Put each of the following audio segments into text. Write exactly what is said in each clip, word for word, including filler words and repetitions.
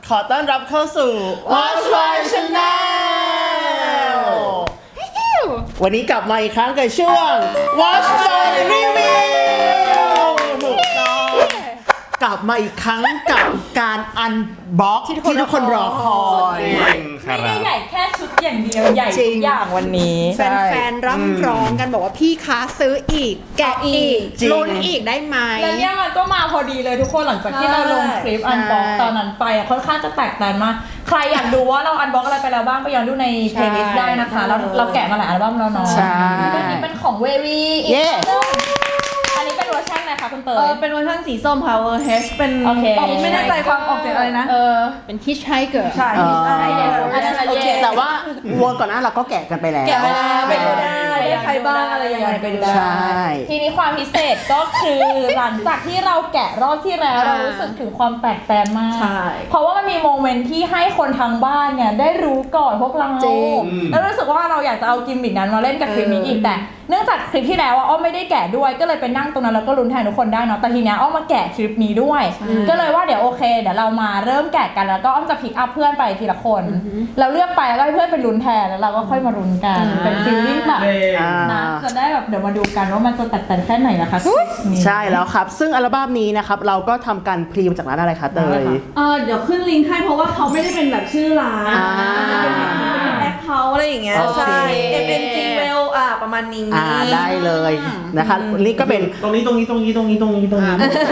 ขอต้อนรับเข้าสู่ Watch My Channel วันนี้กลับมาอีกครั้งกับช่วง Watch My Review ถูกต้องกลับมาอีกครั้งกับการอันบ็อกที่ทุกคนรอคอยไม่ได้ใหญ่แค่ชุดอย่างเดียวใหญ่ทุกอย่างวันนี้แฟนๆร่ำร้องกันบอกว่าพี่คะซื้ออีกแกะอีกลุ้นอีกได้ไหมแล้วเนี่ยมันก็มาพอดีเลยทุกคนหลังจากที่เราลงคลิปอันบ็อกตอนนั้นไปค่อนข้างจะแตกต่างมากใครอยากดูว่าเราอันบ็อกอะไรไปแล้วบ้างไปย้อนดูในเพลย์ลิสต์ได้นะคะเราเราแกะมาหลายอัลบั้มแล้วเนาะใช่อันนี้เป็นของเววีอีกอันนี้เป็นเวอร์ชันอะไรคะคุณเตยเออเป็นเวอร์ชันสีส้ม Power H เป็นโอเคไม่แน่ใจความออกเสียงอะไรนะเออเป็นฮิชไฮเกอร์ใช่อ๋อใช่โอเคแต่ว่าวนก่อนหน้าเราก็แกะกันไปแล้วแกะไปแล้วไปดูได้ใครบ้างอะไรยังไงไปดูได้ใช่ทีนี้ความพิเศษก็คือหลังจากที่เราแกะรอบที่แล้วเรารู้สึกถึงความแปลกแปลกมากใช่เพราะว่ามันมีโมเมนต์ที่ให้คนทางบ้านเนี่ยได้รู้ก่อนพวกเราจริงแล้วรู้สึกว่าเราอยากจะเอากิมมิคนั้นมาเล่นกับคลิปนี้อีกแต่เนื่องจากคลิปที่แล้วอะอ้อมไม่ได้แกะด้วยก็เลยไปนั่งตรงนั้นแล้วก็ลุ้นแทนทุกคนได้เนาะแต่ทีเนี้ยอ้อมมาแกะคลิปนี้ด้วย ก็เลยว่าเดี๋ยวโอเคเดี๋ยวเรามาเริ่มแกะกันแล้วก็อ้อมจะพิกอัพเพื่อนไปทีละคนเราเลือกไปแล้วก็ให้เพื่อนไปลุ้นแทนแล้วเราก็ค่อยมาลุ้นกันเป็นฟีลลิ่งแบบอ่านะจะได้แบบเดี๋ยวมาดูกันว่ามันจะแตกต่างแค่ไหนนะคะคลิปนี้ใช่แล้วครับ ซึ่งอัลบั้มนี้นะครับเราก็ทำการพรีมาจากร้านอะไรคะเตยเออเดี๋ยวขึ้นลิงก์ให้เพราะว่าเขาไม่ได้เป็นแบบชื่อร้านอ่าเป็นแอคเขาอะไรอย่างเงี้ยโอเคใช่ เอ็ม เอ็น จี Well อ่ะประมาณนี้อ่าได้เลยนะคะนี่ก็เป็นตรงนี้ตรงนี้ตรงนี้ตรงนี้ตรงนี้ตรงนี้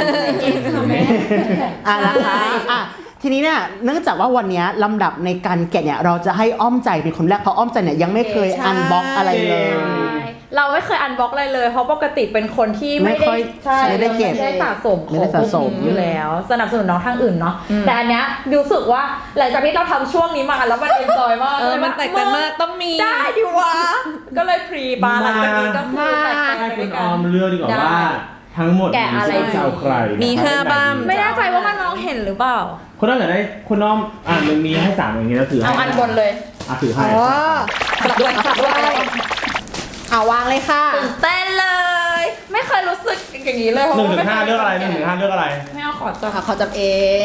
อ่านะคะอ่ะทีนี้เนี่ยเนื่องจากว่าวันนี้ลำดับในการแกะเนี่ยเราจะให้อ้อมใจเป็นคนแรกเพราะอ้อมใจเนี่ยยังไม่เคยอันบ็อกอะไรเลยเราไม่เคยอันบ็อกอะไรเลยเพราะปกติเป็นคนที่ไม่ไม่ค่ได้อยใช่ไม่ได้เก็บไม่ได้สะสมไม่ได้สะสมของพวกนี้อยู่แล้ว สนับสนุนน้องทางอื่นเนาะแต่อันเนี้ยรู้สึกว่าหลังจากที่เราทำช่วงนี้มาแล้วมันเอนจอยมากเออมันแตกต่างมากต้องมีได้ดิวะก็เลยพรีปาหลังจากนี้ก็คือแตกต่างให้ไปคุณกัอน อมเลือกดีกว่าว่า ทั้งหมดแกะอะไรจะเอาใครมีห้าบ้างไม่แน่ใจว่ามันมองเห็นหรือเปล่าคุณน้อมอยากได้คุณน้อมอ่านมันมีให้สามอย่างนี้แล้วถือให้เอาอันบนเลยอ่ะถือให้อ๋อสลับด้วยสลับด้วยเอาวางเลยค่ะตื่นเต้นเลย ไม่เคยรู้สึกอย่างนี้เลยหนึ่งถึงห้าเลือกอะไรหนึ่งถึงห้าเลือกอะไรไม่เอาขอจับค่ะเขาจับเอง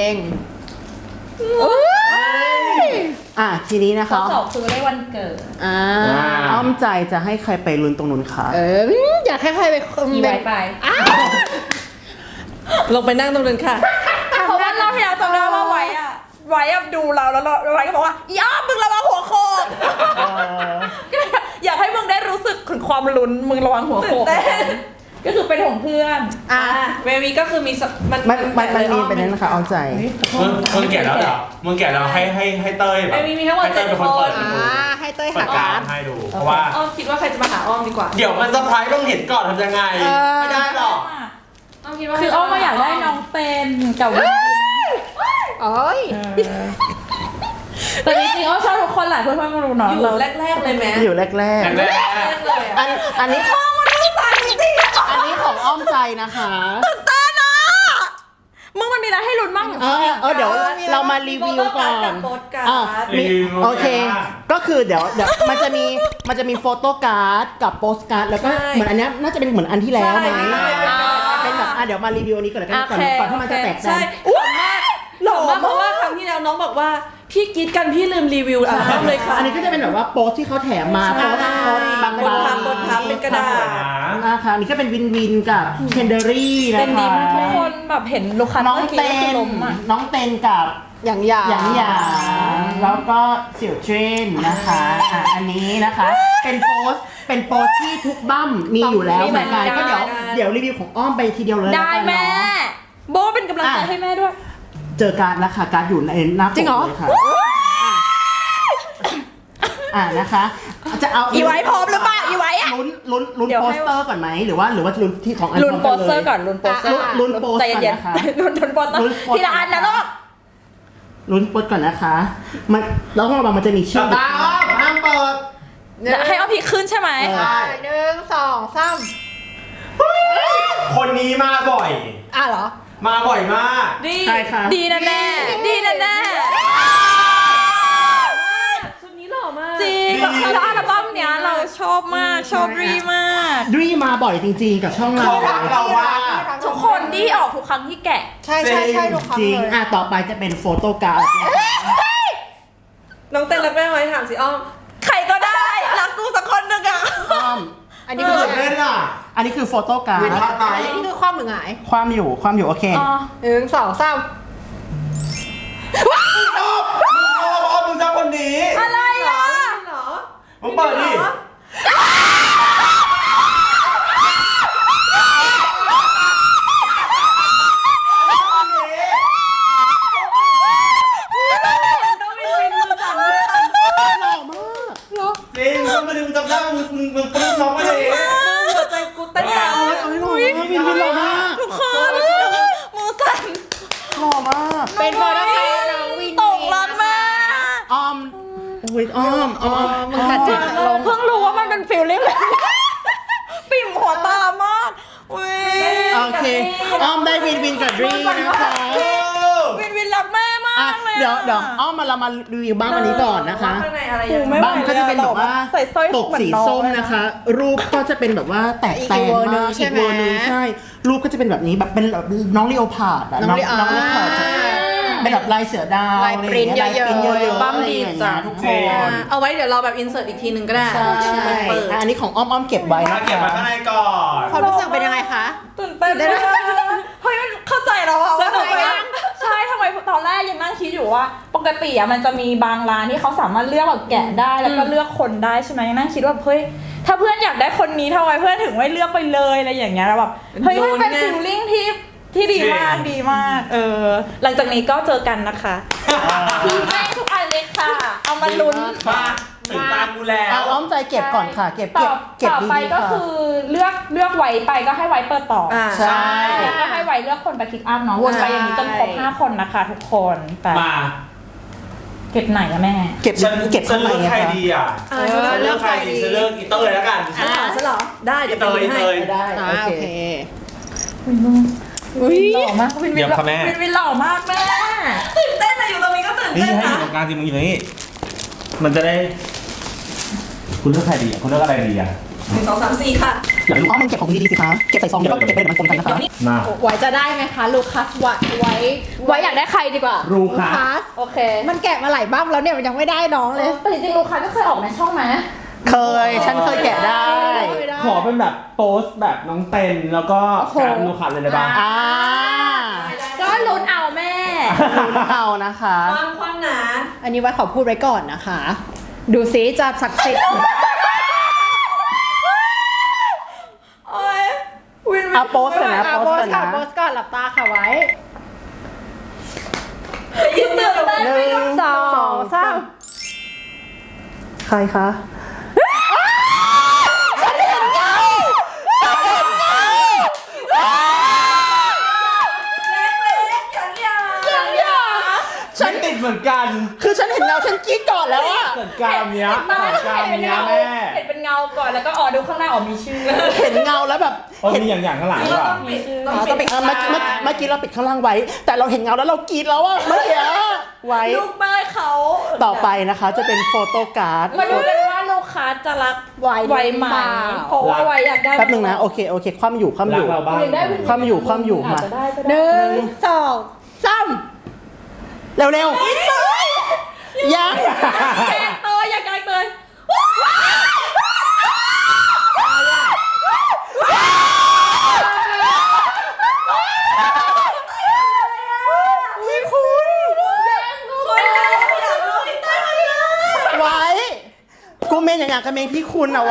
อ่ะทีนี้นะข้อคะสอบคือได้วันเกิดอ่าอ้อมใจจะให้ใครไปลุ้นตรงนู้นคะเอออยากให้ใครไปอีไว้ไปลงไปนั่งตรงนั้นค่ะเพราะว่ารอบที่แล้วจำได้ว่าไว้อะไว้อะดูเราแล้วเราไว้ก็บอกว่าอีอ้อมมึงระวังหัวโขกก็เลยอยากให้มึงได้รู้สึกถึงความลุ้นมึงระวังหัวโขกก็คือเป็นของเพื่อนอ่ะเววีก็คือมีสมันมันมันมันมีเป็นนั้นนะคะอ้อมใจมึงมึงแก่แล้วเหรอมึงแก่แล้วให้ให้ให้เต้ยแบบเววีมีทั้งหมดให้เต้เจ็ยดเป็นคคนเปิดนอ่าให้เต้ยเปิหาดกาการรให้ดู เพราะว่าอ้อมคิดว่าใครจะมาหาอ้อมดีกว่าเดี๋ยวมันเซอร์ไพรส์ต้องเห็นก่อนทำยังไง ไม่ได้หรอกอ้อมคิดว่าคืออ้อมมาอยากได้น้องเป็นกับวินโอ้ยแต่จริงๆอ้อมชอบทุกคนแหละเพื่อนๆก็รู้เนาะอยู่แรกๆเลยไหมอยู่แรกแรกแรกๆเลยๆอันอันนี้อันนี้ของอ้อมใจนะคะมึงมันมีอะไรให้ลุ้นบ้างเออเออเดี๋ยวเรามารีวิวก่อนโปสการ์ดอ่ะมีโอเค ก็คือเดี๋ยวเดี๋ยวมันจะมีมันจะมีโฟโต้การ์ดกับโปสการ์ดแล้วก็เหมือนอันเนี้ยน่าจะเป็นเหมือนอันที่แล้วไหมเป็นแบบอ่ะเดี๋ยวมารีวิวอันนี้ก่อนแล้วกันก่อนก่อนที่มันจะแตกใช่กันขำมากหล่อมากเพราะว่าครั้งที่แล้วน้องบอกว่าพี่กรีดกันพี่ลืมรีวิวอัลบั้มเลยค่ะอันนี้ก็จะเป็นแบบว่าโปสที่เขาแถมมาโปสโปสบางบนพับบนพับเป็นกระดาษนะคะอันนี่ก็เป็นวินวินกับเคนเดอรี่นะเป็นดีคะมากทุกคนแบบเห็นลูกค้าน้องเต้นลมอ่ะน้องเต้นกับอย่างหยาหยางหยางแล้วก็เสี่ยวเทรนนะคะอ่ะอันนี้นะคะ เป็นโปสเป็นโปสที่ทุกบั้มมีอยู่แล้วเหมือนกันก็เดี๋ยวเดี๋ยวรีวิวของอ้อมไปทีเดียวเลยได้ล้วกันแม่เนาะโบเป็นกำลังใจให้แม่ด้วยเจอการดนะคะการดอยู่ในหน้าปกเลยค่ะอ่ะนะคะจะเอาอีไว้พร้อมหรือเปล่าอีไว้อะลุ้นลุ้นลุ้นเดี๋ยวโปให้สเตอร์ก่อนไหมหรือว่าหรือว่าลุ้นที่ของอันลุ้นพร้โปมสเตอร์ก่อนลุ้นโปสเตอร์ลุ้นโปสใจก่อนเย็นนะคะๆลุ้นลุ้นโปสเตอร์ลุ้นโปสเตอร์ทีละอันนะลูกลุ้นโปสก่อนนะคะมันแล้วก็ระวังมันจะมีชื่อตาอ้อมห้ามเปิดให้เอาพีขึ้นใช่ไหมเออหนึ่งสองสามคนนี้มาบ่อยอ่ะเหรอมาบ่อยมากดีใช่ค่ะดีนะแน่ดีนะแน่ชุดนี้หล่อมากจริงแล้วอัลบั้มเนี้ยเราชอบมากชอบรีมากดรีมาบ่อยจริงๆกับช่องเราเขารักเรามากทุกคนดี้ออกทุกครั้งที่แกะใช่ใช่ใช่ทุกครั้งจริงเลยอ่ะต่อไปจะเป็นโฟโต้การ์ดนะคะน้องเต้นรักแม่ไหมถามสิอ้อมใครก็ได้ รักกูสักคนหนึ่งอะอ้อมอันนี้คือเล่นอ่ะอันนี้คือโฟโต้การ์วินดทัดไหมอันนี้คือความหรือหงายความอยู่ความอยู่โอเคอ๋อหนึ่งสองสามชอบมึงชอบอ้อมมึงชอบคนนี้อะไรอ่ะเหรอมึงเปิดดิเหรอ ต้องวินวินมือสั่นมือสั่นจริงมึงมาดึงจำได้มึงมึงมึงปลื้มน้องมาเลยหัวใจกูเต้นแรงเอาไว้เอาไว้หน่อยวินวินหล่อมากทุกคนมือสั่นหล่อมากเป็นโฟโต้การ์ดน้องวินตกรถมาอ้อมโอ้ยอ้อมอ้อมมึงตัดจิตลงเพิ่งรู้ว่ามันเป็นฟิลลิ่งแบบปิ่มหัวตามากอุ้ยโอเคอ้อมได้วินวินกับดรีนะคะวินวินรักแม่มาอ่ะกเลยอะเดี๋ยวเดี๋ยวอ้อมมาเรามารีวิวบ้างอันนี้ก่อนนะคะข้างในอะไรอย่างไม่เงี้ยไหวบ้างก็จะเป็นแบบว่าใส่สร้อยตกเหมือนสีน้องส้มเลยนะนะคะ รูปก็จะเป็นแบบว่าแตกแต่งมากอีกเวอร์นึงใช่ รูปก็จะเป็นแบบนี้แบบเป็นแบบน้องลีโอพาร์ดอะน้องลีโอน้องลีโอพาร์ดจะเป็นแบบลายเสือดาวลายปริ้นท์ลายปริ้นท์เยอะๆเยอะๆบ้ามดีอะไรอย่างจัเงี้งยทุกคจริงนเอาไว้เดี๋ยวเราแบบอินเสิร์ตอีกทีหนึ่งก็ได้ใช่เปิดอ่ะอันนี้ของอ้อมอ้อมเก็บไว้มานะเก็บคะมาข้างในก่อนความรู้สึกเป็นยังไงคะตื่นเต้นมากเฮ้ยมันเข้าใจแล้วอะว่าทำไมใช่ทำไมตอนแรกยังนั่งคิดอยู่ว่า ปกติอะมันจะมีบางร้านที่เขาสามารถเลือกแบบแกะได้แล้วก็เลือกคนได้ใช่ไหมนั่งคิดว่าเฮ้ยถ้าเพื่อนอยากได้คนนี้ทำไมเพื่อนถึงไม่เลือกไปเลยอะไรอย่างเงี้ยแล้วแบบเฮ้ยมันเป็นฟิลลิ่งที่ที่ดีมากดีมากเออหลังจากนี้ก็เจอกันนะคะพี่แม่ทุกอันเลยค่ะ เอามาลุ้นมาถึงตากูแล้เอาวอ้อมใจเก็บก่อนค่ะ เก็บต่เก็อบเก็บต่อดีไปๆก็ค่ะคือเลือกเลือกไว้ไปก็ให้ไว้เปิดต่อออ่าใช่แล้วก็ให้ไว้เลือกคนไปคลิกอัพเนาะวนไปอย่างนี้จนครบห้าคนนะคะทุกคนแต่มาเก็บไหนอะแม่เก็บฉันเก็บฉัข้าน งในเลือกไงใครคะดีอ่ะเอฉันเลือกใครดีฉันเลือกอีเตอร์เลยแล้วกันอ่าฉันเหรอ ได้อีเดี๋ยวเตไปยดูอีให้เตยได้อ่าโอโอเคเควินหล่อมากวินวิเดี๋นยวค่ะแม่วินวินหล่อมากแม่ตื่นเต้นอะอยู่ตรงนี้ก็ตื่นนี่เต้นให้อนะยู่ตรงกลางสิมึงอยู่ตรงนี้ มันจะได้ คุณเลือกใครดีอ่ะคุณเลือกอะไรดีอ่ะหนึ่งสองสามสี่ค่ะอยากรู้อ้อมมันเก็บของดีๆสิคะ เก็บใส่ซองแล้วก็เก็บไปเดี๋ยวมันปนกันนะคะมาไว้จะได้ไหมคะลูคัสไว้ไว้ไว้อยากได้ใครดีกว่ารูคัสสโอเคมันแกะมาหลายบ้างแล้วเนี่ยมันยังไม่ได้น้องเลยแต่จริงๆลูกค้าก็เคยออกในช่องไหมเคย ฉันเคยแกะได้ขอเป็นแบบโพสต์แบบน้องเต้นแล้วก็การดูขันเลยได้ปะอ่าก็ลุ้นเอาแม่ลุ้นเอานะคะความความหนาอันนี้ไว้ขอพูดไว้ก่อนนะคะ ดูซิจะศักดิ์สิทธิ์โอ้ยวินวินอ่ะโพสต์ก่อนนะอ่ะโพโพสสต์ต์ก่ก่ออน นนะโพสต์ก่อนหลับตาค่ะไว้ยืนเต้นไปหนึ่งสองสามใครคะฉันติดเหมือนกันคือฉันเห็นเงาฉันกรี๊ดก่อนแล้วอะเหมือนการเนี้ยเหมือนการเห็นเป็นเนี้ยเงาแม่เห็นเป็นเงาก่อนแล้วก็อ๋อดูข้างหน้าอ๋อมีชื่อเห็นเงาแล้วแบบโอ้มีอย่างอย่างข้างหลังนี่ด้ก็วยต้องปิดอ๋อต้องปิดเออเมื่อกี้เมื่อเมื่อกี้เราปิดข้างล่างไว้ แต่เราเห็นเงาแล้วเรากรี๊ดแล้วอะเมื่อกี้ไว้ลูกแม่เขาต่อไปนะคะจะเป็นโฟโต้การ์ดมาดูกันว่าลูกค้าจะรักไว้ไวไหมเพราะว่าไวอยากได้แป๊บหนึงนะ โอเค โอเค ความอยู่ ความอรักยู่เราบ้างอยากได้วินวินความอยู่ความอยู่อาจมาจะได้ก็หได้นึ่งสองสามเร็วเร็วยังแกงเตยอยากแกงเตยไม่คุณคนเดียวอยากรู้ที่ใต้มันเลยไว้ กูเมนอย่างอย่างกับเมนพี่คุณอะไว้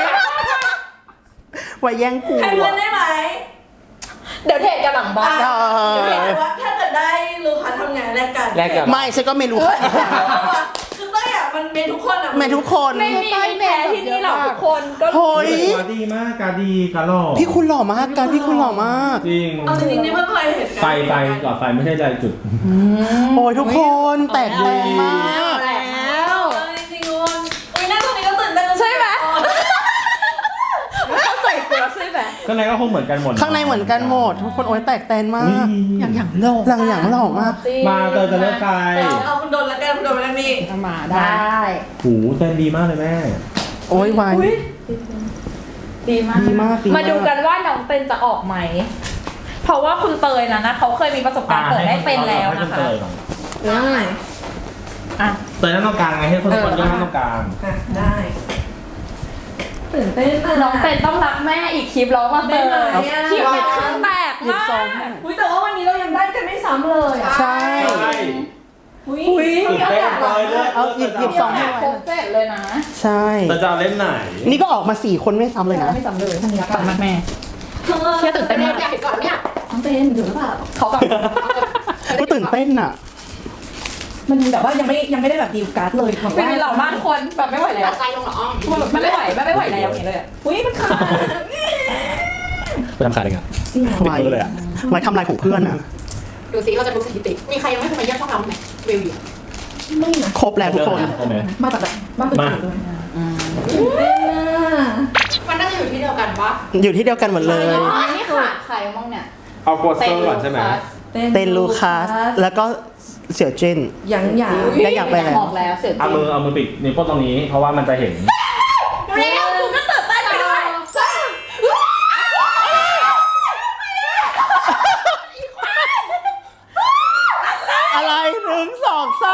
ไว้แย่งกูให้เพื่อนอะได้ไหมเดี๋ยวเทกันหลังบ้านเออเดี๋ยวเห็นว่าถ้าเกิดได้ลูกค้าทำไงแลกกันแลกกันไม่ฉันก็ไม่รู้ค่ะคือเต้ยอ่ะมันเมนทุกคนอ่ะเมนทุกคนไม่มีมีแพ้ที่นี่หรอกทุกคนก็โอ้ยการดีมากการดีการหล่อพี่คุณหล่อมากการพี่คุณหล่อมากจริงเอาจริงๆนี่เพิ่งเคยเห็นกันไฟไฟหลอดไฟไม่ใช่ใจจุดโอ้ยทุกคนแตกแรงมากแล้วเอาจริงๆคนอุ้ยหน้าตรงนี้ก็ตื่นเต้นใช่ไหมเข้าใจตัวใช่ไหมข้างในก็คงเหมือนกันหมดข้างในเหมือนกันหมด ทุกคนโอ้ยแตกแตนมาอุ๊ยก อย่างอย่างหล่อหลังอย่างหล่อมากมาเตยจะเลือกใครเอาคุณโดนละกันคุณโดนละกันมีเอามาได้หูเต้นดีมากเลยแม่โอ้ยไวดีมากดีมากดีมากมาดูกันว่าน้องเป็นจะออกไหมเพราะว่าคุณเตยนะนะเขาเคยมีประสบการณ์เปิดได้เป็นแล้วนะคะได้อ่ะเตยนั่งตรงกลางไงให้คนคนย่อนั่งตรงกลางอ่ะได้ตื่นเต้นอะน้องเป็นต้องรักแม่อีกคลิปแล้วมาเตยได้ไหมอะคลิปเป็นครึ่งแตกมากอุ้ยแต่ว่าวันนี้เรายังได้กันไม่ซ้ำเลยอ่ะใช่ใช่อุ้ยตื่นเต้นเลยเลยเอาหยิบหยิบสองให้ครบเจ็ดเลยนะใช่เตยจะเอาเล่นไหนนี่ก็ออกมาสี่คนไม่ซ้ำเลยนะไม่ซ้ำเลยทันทีปังมากแม่เชื่อตื่นเต้นมากอยากเห็นก่อนเนี่ยน้องเต้นอยู่หรือเปล่าเขาแบบก็ตื่นเต้นอ่ะมันแบบว่ายังไม่ยังไม่ได้แบบดีลการ์ดเลยของเป็นเหล่ามากคนแบบไม่ไหวแล้วใจลงเหรออ้อมแบบไม่ไหวไม่ไหวแล้วอย่างเงี้ยเลยอุ้ยมันขาดไปทำคาได้ไงไว้ไว้ทำลายของเพื่อนอ่ะดูสิเราจะดูสถิติ มีใครยังไม่เคยมาเยี่ยมช่องเราไหมวิวอยู่ไม่นะครบแล้วทุกคนโอเคมาจากแบบบ้านตื่นตื่นด้วยเต้นอะมันน่าจะอยู่ที่เดียวกันปะอยู่ที่เดียวกันหมดเลยอ๋อนี่ขาดใครบ้างเนี่ยเอาโปสเตอร์ก่อนใช่ไหมเต้นลูคัสแล้วก็เสี่ยวจิ้นหยังหยางได้อยากไปแล้วออกแล้วเสียจเอาริงมือเอามือปิดนิ้วโป้งตรงนี้เพราะว่ามันจะเห็นเร็วคุณก็ตื่นเต้นไปด้วยอะไรหนึ่งสองสาม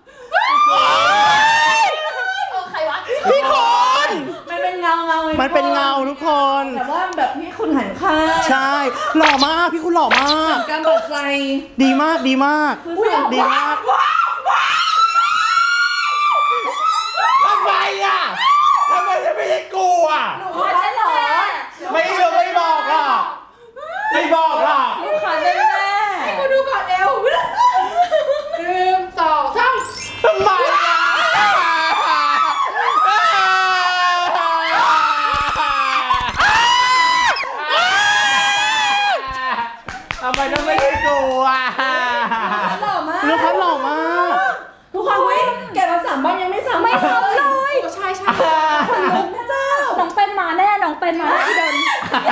ใครวะพี่คนมันเป็นเงาเงาไมันเป็นเงาทุกคนแต่ว่าแบบพี่คุณหันข้างใช่ หล่อมาก พี่คุณหล่อมากการเปิดใจดีมากดีมาก ดีมากทำไมอ่ะทำไมจะไม่ใช่กูอ่ะว่าได้เหรอไม่รู้ไม่บอกอ่ะ ไม่บอกอ่ะลูกค้าแน่แน่มาดูก่อนเร็วหนึ่งสองสามทำไมอ่ะทำไมต้องไม่ใช่กูอ่ะหล่อมากลูกค้าหล่อมากทุกคนเว้ยแกะมาสามบ้านยังไม่สามไม่ซ้ำเลยใช่ใช่คนลุกนะเจ้าน้องเป็นมาแน่น้องเป็นมาแน่ดน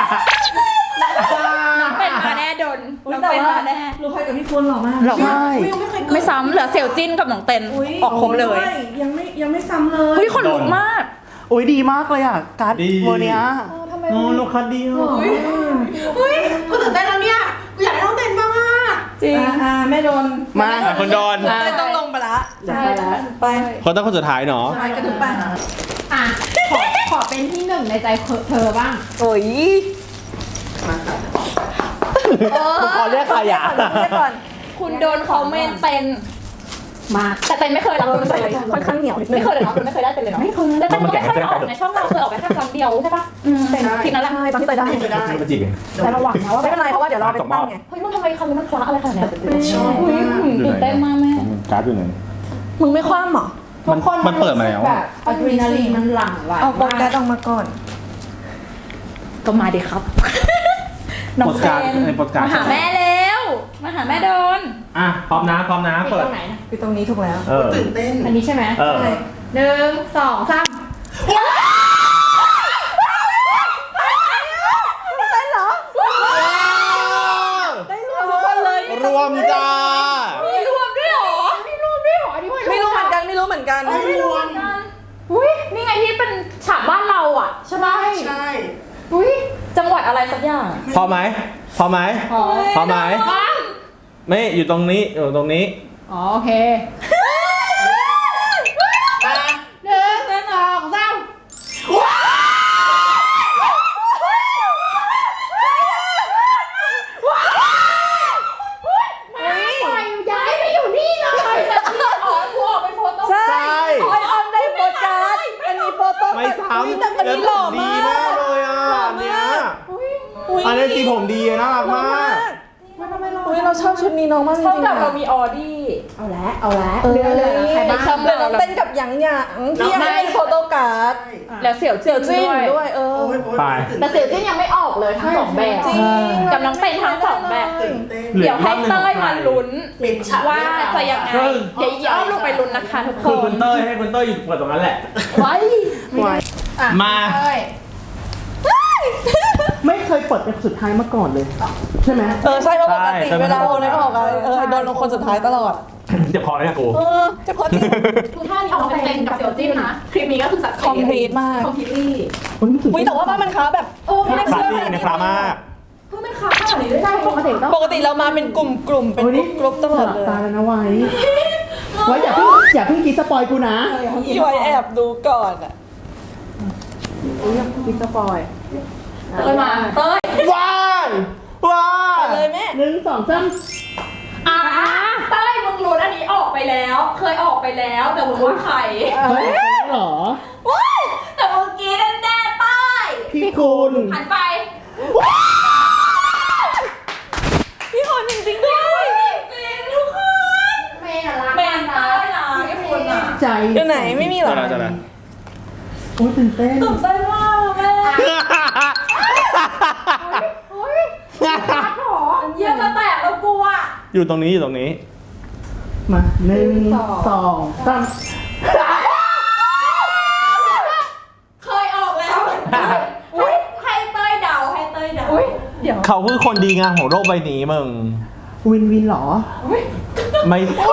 น้องเป็นมาแน่ดนน้องเป็นมาแน่ลูกใครกับพี่คุณหล่อมากหล่อมากวิวไม่เคยเกิดไม่ซ้ำเหลือเสี่ยวจิ้นกับน้องเต็นอุ๊ยออกครบเลยยังไม่ยังไม่ซ้ำเลยอุ้ยคนลุกมากโอ้ยดีมากเลยอ่ะ การ์ดดีเวอร์เนี้ยโอ้ลูกค้าดีอ่ะเฮ้ยกูตื่นเต้นแล้วเนี่ยกูอยากได้น้องเต้นบ้างอ่ะจริงอ่าแม่โดนมาคนโดนเลยต้องลงไปละใช่แล้วไปคนต้องคนสุดท้ายเนาะไปกระถึงไปอ่ะขอขอเป็นที่หนึ่งในใจเธอบ้างโอ้ยขอเรียกใครอ่ะเรียกก่อนคุณโดนเขาเมนเต็นมาแต่เต็นไม่เคยรับคุณเลยค่อนข้างเหนียวนิดนึไม่งเคยเลยเนาะคุณไม่เคยได้เต็นเลยเนาะไม่เคยแต่เต็นก็ไม่เคยออกในช่องเราเคยออกไปแค่ครั้งเดียวใช่ปะเต็นทีนั้นแหละใช่ตอนที่เตยได้มาจีบเองแต่ระวังนะว่าไม่เป็นไรเพราะว่าเดี๋ยวเราไปตั้งไงเฮ้ยมันทำไมคำนี้มันคว้าอะไรขนาดนี้อุ้ยตื่นเต้นมากแม่การ์ดอยู่ไหนมึงไม่คว่ำหรอมันมันเปิดมาแล้วแบบอะดรีนาลีนมันหลั่งไหลเอาโปรแกรมออกมาก่อนก็มาดิครับน้องเต็นมาหาแม่แล้วมาหาแม่โดนอ่ะพร้อมนะพร้อมนะเปิเปิดดตรงไหนนะคือตรงนี้ถูกแล้วเออตื่นเต้นอันนี้ใช่ไหมเออหนึ่งสองสามได้รวมทุกคนเลยรวมจ้ามีรวมด้วยเหรอไม่รู้ไม่หรออันนี้ไม่รู้เหมือนกันไม่รู้เหมือนกันไม่รู้อุ้ยนี่ไงที่เป็นฉากบ้านเราอ่ะใช่ไหมใช่อุ้ยจังหวัดอะไรสักอย่างพอไหมพอไหมอ๋อพอไหมไม่อยู่ตรงนี้อยู่ตรงนี้อ๋อโอเคหนึ่งสองสาม ย้ายไปอยู่นี่เลยอ๋อกูออกไปโฟโต้ใช่ไอออนได้โปรการ์ดอันนี้โฟโต้ไม่ซ้ำแต่อันนี้หล่อดีมากมากเลยอ่ะอันเนี้ยอุ๊ยอันนี้สีผมดีน่ารักมากอุ้ยเราชอบชุดนี้น้องมากจริงเท่าๆกับเราอะมีออดี้เอาละเอาละเออเรือเลยใครบ้างเหลือน้องเต้นกับหยางหยางที่ยังไม่มีโฟโต้การ์ดแล้วเสี่ยวเสี่ยวจิ้นด้วยด้วยเออไปแต่เสี่ยวจิ้นยังไม่ออกเลยทั้งสองแบบจริงกับน้องเป็นทั้งสองแบบเหลือเดี๋ยวให้ภาพหนึ่งเต้ยมาลุ้นเป็นฉากว่าจะยังไงเดี๋ยวย้อนลงไปลุ้นนะคะทุกคคือน คุณเต้ยให้คุณเต้ยอยู่เปิดตรงนั้นแหละไว้อ่ะมาเอ้ยไม่เคยเปิดเป็นสุดท้ายมาก่อนเลย ใช่ไหมเออใช่เพราะปกติใช่เวลาโอนไม่ออกอะเออโดนลงคนสุดท้ายตลอดเจ็บคอเลยนะกูเออจะพอจริงคือท่านี้ออกมาเป็นเต็มกับเสี่ยวจิ้นนะคลิปนี้ก็คือสัตว์คอมพลีทมากคอมพลีทลี่อุ้ยแต่ว่าบ้านมันค้าแบบโอ้ไม่ได้คลาเชื่สอสิกในคลามากเพิ่งเป็นคาขนาดนี้ด้วยใช่ปกติต้องปกติเรามาเป็นกลุ่มๆเป็นกรุ๊ปๆตลอดเลยตาแล้วนะไว้ไว้อย่าเพิ่งอย่าเพิ่งคิดสปอยกูนะพี่ไว้แอบดูก่อนอ่ะพิกสปอยเต้ยมาเต้ยว้ายว้ายเลยแม่หนึ่งสองสามอ่าเต้ยมึงรู้อันนี้ออกไปแล้ว เคยออกไปแล้วแต่มึงว่าใครเฮ้ยเหรอว้ายแต่เมื่อกี้แน่แน่ๆเต้ยพี่คุณหันไปพี่คนจริงๆด้วยจริงทุกคนเมย์น่ะรักแมนเต้ยนะไอ้คุณอ่ะใจอยู่ไหนไม่มีเหรอจะละจะละโอ้ยตื่นเต้นตื่นเต้นมากแม่เยี่ยมจะแตกแล้วกูอ่ะอยู่ตรงนี้อยู่ตรงนี้มาหนึ่งสองสามเคยออกแล้วเหมือนกันให้ให้เต้ยเดาให้เต้ยเดาเดี๋ยวเขาคือคนดีงามของโลกใบนี้มึงวินวินเหรอไม่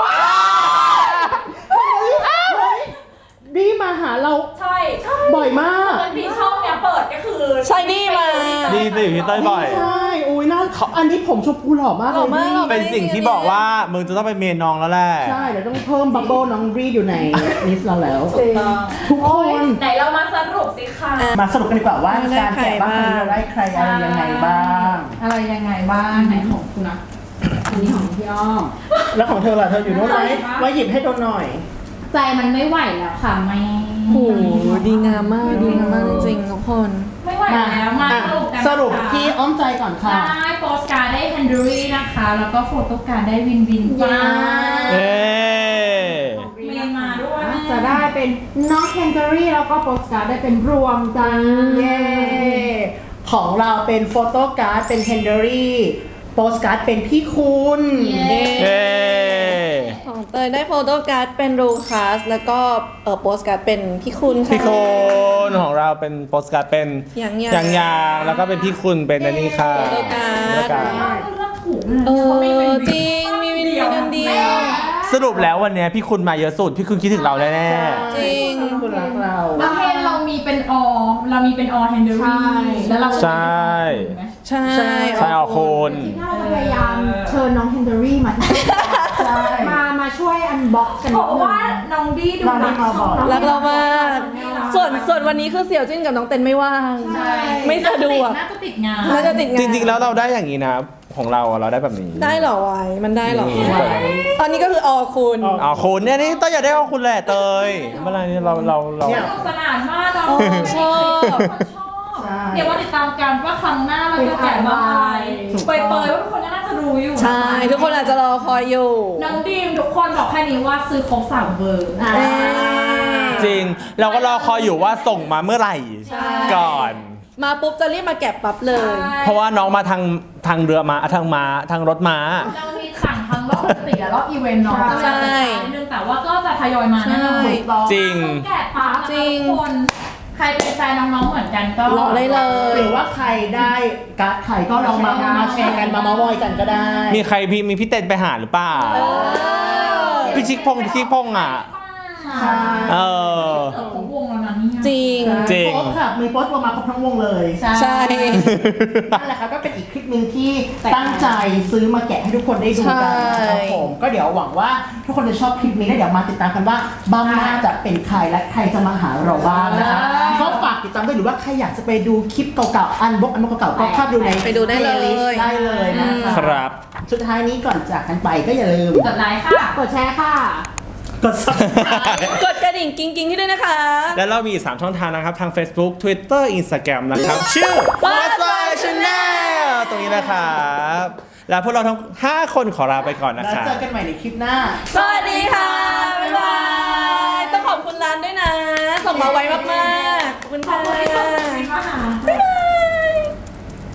ดีมาหาเราใช่ใช่บ่อยมากบางทีช่องเนี้ยเปิดก็คือใช่นี่มาดีสิพี่เต้ยบ่อยใช่อุ้ยน่าอันนี้ผมชมพูหล่อมากหล่อมากเลยหล่อเป็นสิ่งที่บอกว่ามึงจะต้องไปเมนน้องแล้วแหละใช่เดี๋ยวต้องเพิ่มบับเบิ้ลน้องรีดอยู่ในลิสต์เราแล้ว ทุกคนไหนเรามาสรุปสิค่ะมาสรุปกันดีกว่าว่าการแกะบ้างเราได้ใครอะไรยังไงบ้างอะไรยังไงบ้างไหนของคุณนะอันนี้ของพี่อ้อมแล้วของเธอล่ะเธออยู่โน้นไหมไว้หยิบให้โดนหน่อยใจมันไม่ไหวแล้วค่ะไม่โอ้โหดีงามมากดีงามมากจริงๆทุกคนไม่ไหวแล้วมาอ่ะสรุปกันสรุปที่อ้อมใจก่อนค่ะได้โปสการ์ดได้แฮนดูรี่นะคะ แล้วก็โฟโต้การ์ดได้วินวินจ้าเอ๊ะเมนมาด้วยจะได้เป็นน้องแคนเตอรี่แล้วก็โปสการ์ดได้เป็นรวมจังเย้ของเราเป็นโฟโต้การ์ดเป็นเฮนเดอรี่โปสการ์ดเป็นพี่คุณเอ๊ะของเตยได้โฟโต้การ์ดเป็นรูคัสแล้วก็เออโปสการ์ดเป็นพี่คุณค่ะพี่คุณของเราเป็นโปสการ์ดเป็นยางๆยางยางแล้วก็เป็นพี่คุณเป็นอันนี้ค่ะโฟโต้การ์ดโฟโต้การ์ดเลือกถูกเออจริงมีวินวินกันเดียวสรุปแล้ววันเนี้ยพี่คุณมาเยอะสุด พี่คุณคิดถึงเราแน่จริงพี่คุณรักเราแล้วเพนเรามีเป็นอเรามีเป็นอแฮนดูรี่แล้วเราๆใช่ใช่ใช่เอาคุณที่เราจะพยายามเชิญน้องแคนเตอรี่มามามาช่วยอันบ็อกซ์กันเพนิดราะนึงว่าน้องดี้ดูน้องดี้มาบอกรักเรามากส่วนส่วนวันนี้คือเสี่ยวจิ้นกับน้องเต้นไม่ว่างใช่ไม่สะดวกน่าจะติดงานน่าจะติดงานจริงๆแล้วเราได้อย่างนี้นะ ของเราอะเราได้แบบนี้ได้เหรอไว้มันได้เหรอนี่ตอนนี้ก็คืออคุณอ๋อคุณเนี่ยนี่ต้องอยากได้เอาคุณแหละเตยเมื่อไหรนี่เราเราเราเนี่ยสนุกสนานมากเนาะชอบชอบใช่เดี๋ยวมาติดตามกันว่าครั้งหน้าเราจะแกะมาอะไรเปยๆว่าทุกคนก็น่าจะรู้อยู่ใช่ ทุกคนอาจจะรอคอยอยู่น้องดีมทุกคนบอกแค่นี้ว่าซื้อครบสามเบอร์อ่าเอ้ยจริง เราก็รอคอยอยู่ว่าส่งมาเมื่อไหร่ใช่ก่อนมาปุ๊บจะรีบมาแกะปั๊บเลยเพราะว่าน้องมาทางทางเรือมาทางม้าทางรถม้าเรามีสั่งทั้งรอบปกติและรอบอีเวนต์เนาะใช่นิดนึงแต่ว่าก็จะทยอยมาแน่นอนใช่จริงแกะปั๊บจริงทุกคนใครเป็นแฟนน้องๆเหมือนกันก็รอได้เลยหรือว่าใครได้การ์ดใครก็ลองมามาแชร์กันมาเมาท์มอยกันก็ได้มีใครพี่มีพี่เต้นไปหาหรือเปล่าเออพี่ชิคพงพี่ชิคพงอ่ะใช่เออเกิดของวงแล้วนะเนี่ยจริงจริงโพสต์ค่ะมีโพสต์ประมาณครบทั้งวงเลยใช่นั่นแหละครับก็เป็นอีกคลิปหนึ่งที่ตั้งใจซื้อมาแกะให้ทุกคนได้ดูกันนะครับผมก็เดี๋ยวหวังว่าทุกคนจะชอบคลิปนี้แล้วเดี๋ยวมาติดตามกันว่าบ้างหน้าจะเป็นใครและใครจะมาหาเราบ้างนะคะก็ฝากติดตามด้วยหรือว่าใครอยากจะไปดูคลิปเก่าๆอันบ็อกอันบ็อกเก่าๆก็เข้าดูในไปดูได้เลย playlist ได้เลยนะคะครับสุดท้ายนี้ก่อนจากกันไปก็อย่าลืมกดไลค์ค่ะกดแชร์ค่ะกด subscribe กดกระดิ่งกิ้งกิ้งที่ด้วยนะคะแล้วเรามีอีกสามช่องทางนะครับ ทาง Facebook Twitter Instagram นะครับ ชื่อ What's My Channel ตรงนี้นะครับ แล้วพวกเราทั้งห้าคนขอลาไปก่อนนะแล้วครับเจอกันใหม่ในคลิปหน้าสวัสดีค่ะ บ๊ายบาย ต้องขอบคุณร้านด้วยนะ ส่งมาไวมากๆ ขอบคุณขอบคุณที่ส่งค่ะคลิปมาหา